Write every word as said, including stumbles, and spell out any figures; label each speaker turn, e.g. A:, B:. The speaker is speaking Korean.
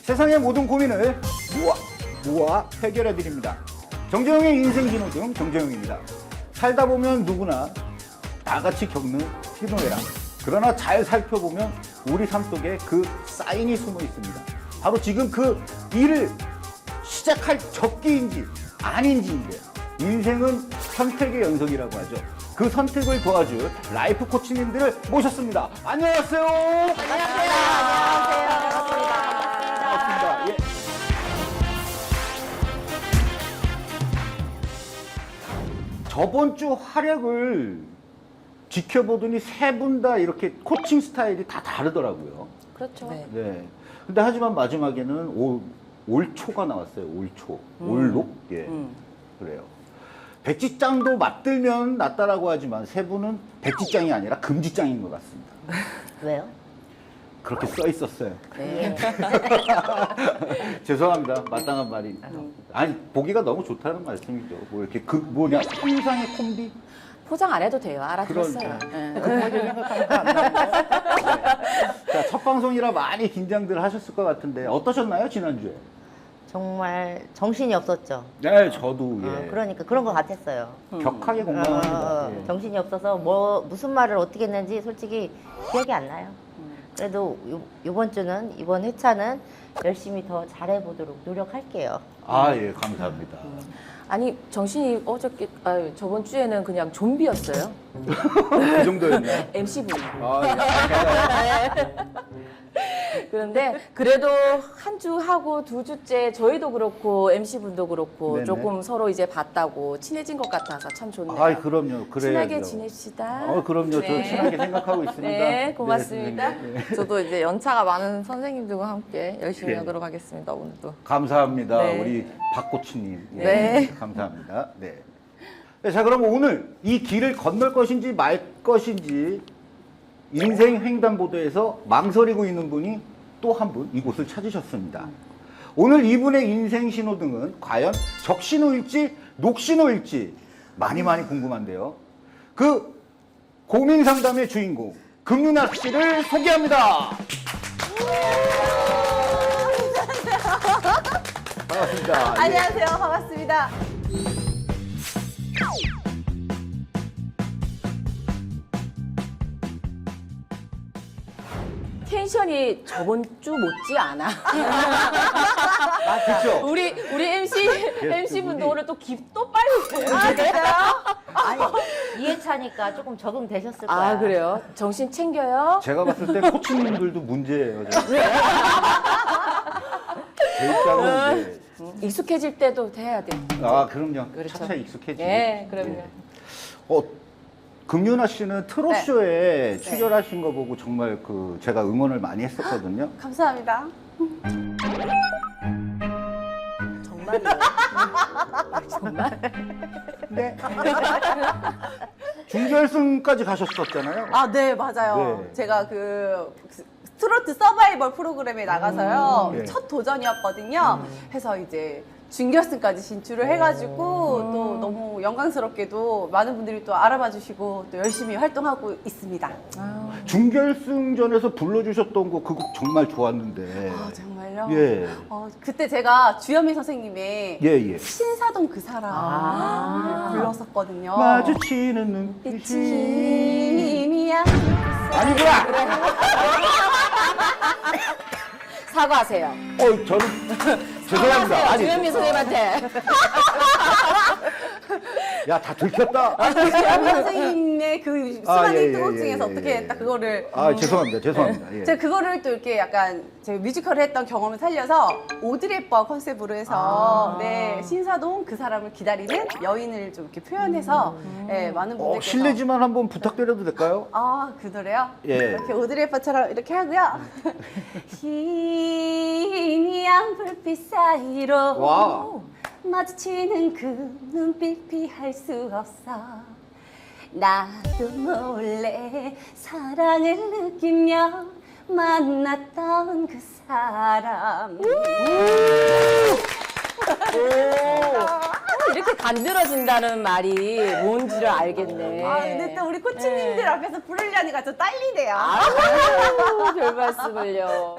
A: 세상의 모든 고민을 모아 모아 해결해 드립니다. 정재영의 인생 신호등 정재영입니다. 살다 보면 누구나 나같이 겪는 희노애락. 그러나 잘 살펴보면 우리 삶 속에 그 사인이 숨어 있습니다. 바로 지금 그 일을 시작할 적기인지 아닌지인데요. 인생은 선택의 연속이라고 하죠. 그 선택을 도와줄 라이프 코치님들을 모셨습니다. 안녕하세요.
B: 안녕하세요. 안녕하세요. 반갑습니다.
A: 반갑습니다. 예. 저번 주 활약을 지켜보더니 세 분 다 이렇게 코칭 스타일이 다 다르더라고요.
B: 그렇죠. 네.
A: 네. 근데 하지만 마지막에는 올, 올초가 나왔어요. 올초.
B: 음.
A: 올록? 예.
B: 음.
A: 그래요. 백지장도 맞들면 낫다라고 하지만 세 분은 백지장이 아니라 금지장인 것 같습니다.
B: 왜요?
A: 그렇게 써 있었어요.
B: 네.
A: 죄송합니다. 마땅한 말이. 아니, 보기가 너무 좋다는 말씀이죠. 뭐 이렇게 그 뭐냐, 환상의 콤비?
C: 포장 안 해도 돼요. 알아들었어요.
A: 그런,
C: 네.
A: 급하게 생각하면 안 돼요. 자, 첫 방송이라 많이 긴장들 하셨을 것 같은데 어떠셨나요, 지난주에?
D: 정말 정신이 없었죠.
A: 네, 저도 예.
D: 어, 그러니까 그런 것 같았어요.
A: 격하게
D: 어,
A: 공감합니다.
D: 어,
A: 예.
D: 정신이 없어서 뭐 무슨 말을 어떻게 했는지 솔직히 기억이 안 나요. 그래도 요, 이번 주는 이번 회차는 열심히 더 잘해보도록 노력할게요.
A: 아, 예, 감사합니다.
C: 아니 정신이 어저께 아유, 저번 주에는 그냥 좀비였어요.
A: 그 정도였나요?
C: 엠씨분이.
A: 아, 예.
C: 그런데 그래도 한 주 하고 두 주째 저희도 그렇고 엠씨분도 그렇고
A: 네네.
C: 조금 서로 이제 봤다고 친해진 것 같아서 참 좋네요.
A: 아, 그럼요. 그래야죠.
C: 친하게 지냅시다.
A: 어, 그럼요.
C: 네.
A: 저 친하게 생각하고 있습니다.
C: 네, 고맙습니다.
A: 네, 선생님. 예.
E: 저도 이제 연차가 많은 선생님들과 함께 열심히
A: 예.
E: 하도록 하겠습니다. 오늘도.
A: 감사합니다.
E: 네.
A: 우리 박코치님. 예,
E: 네.
A: 감사합니다. 네. 네, 자, 그럼 오늘 이 길을 건널 것인지 말 것인지 인생 횡단보도에서 망설이고 있는 분이 또 한 분 이곳을 찾으셨습니다. 오늘 이분의 인생 신호등은 과연 적신호일지 녹신호일지 많이 많이 궁금한데요. 그 고민 상담의 주인공 금윤아 씨를 소개합니다. 반갑습니다. 예.
B: 안녕하세요. 반갑습니다.
C: 텐션이 저번 주 못지 않아.
A: 아, 그렇죠.
C: 우리 우리 엠씨 엠씨 분도 오늘 또 깁또 빨리.
B: 아, 진짜요?
D: 아니 이 회차니까 조금 적응되셨을 거야.
C: 아 그래요? 정신 챙겨요.
A: 제가 봤을 때 코치님들도 문제예요. 저는. 제 입장은 이제
C: 익숙해질 때도 돼야 돼.
A: 아, 그럼요.
C: 그렇죠.
A: 차차 익숙해지고.
C: 네, 그럼요.
A: 예. 어, 금윤아 씨는 트롯쇼에 출연하신 거 보고 정말 그 제가 응원을 많이 했었거든요.
B: 감사합니다.
C: 정말이요. 정말.
A: 네. 준결승까지 가셨었잖아요.
B: 아, 네, 맞아요.
A: 네.
B: 제가 그 트로트 서바이벌 프로그램에 나가서요.
A: 음, 네.
B: 첫 도전이었거든요. 해서 이제 준결승까지 진출을 해가지고 또 너무 영광스럽게도 많은 분들이 또 알아봐 주시고 또 열심히 활동하고 있습니다.
A: 준결승전에서 불러주셨던 거 그 곡 정말 좋았는데.
B: 아, 정말요?
A: 예.
B: 어, 그때 제가 주현미 선생님의
A: 예, 예.
B: 신사동 그 사람
C: 아.
B: 불렀었거든요.
A: 마주치는 눈빛이.
B: 신이야.
A: 아니구나!
C: 사과하세요.
A: 어, 저는. 죄송합니다.
C: 사과하세요.
A: 아니,
C: 주현미 선생님한테.
A: 야, 다 들켰다.
B: 주현미 선생님의 그
A: 아,
B: 수많은
A: 예, 예,
B: 히트곡
A: 예,
B: 중에서
A: 예,
B: 어떻게
A: 예.
B: 딱 그거를
A: 아, 죄송합니다. 죄송합니다. 예.
B: 제가 그거를 또 이렇게 약간 제가 뮤지컬을 했던 경험을 살려서 오드리 헵번 컨셉으로 해서
C: 아.
B: 네 신사동 그 사람을 기다리는 여인을 좀 이렇게 표현해서 네, 많은
A: 어,
B: 분들께서
A: 실례지만 한번 부탁드려도 될까요?
B: 아, 그 노래요?
A: 예.
B: 이렇게 오드리 헵번처럼 이렇게 하고요. 희미한 불빛 사이로
A: 와우.
B: 마주치는 그 눈빛 피할 수 없어. 나도 몰래 사랑을 느끼며 만났던 그 사람.
C: 이렇게 간드러진다는 말이 뭔지를 알겠네.
B: 아, 근데 또 우리 코치님들
C: 네.
B: 앞에서 부르려니까 좀 떨리네요.
C: 아유, 별 말씀을요.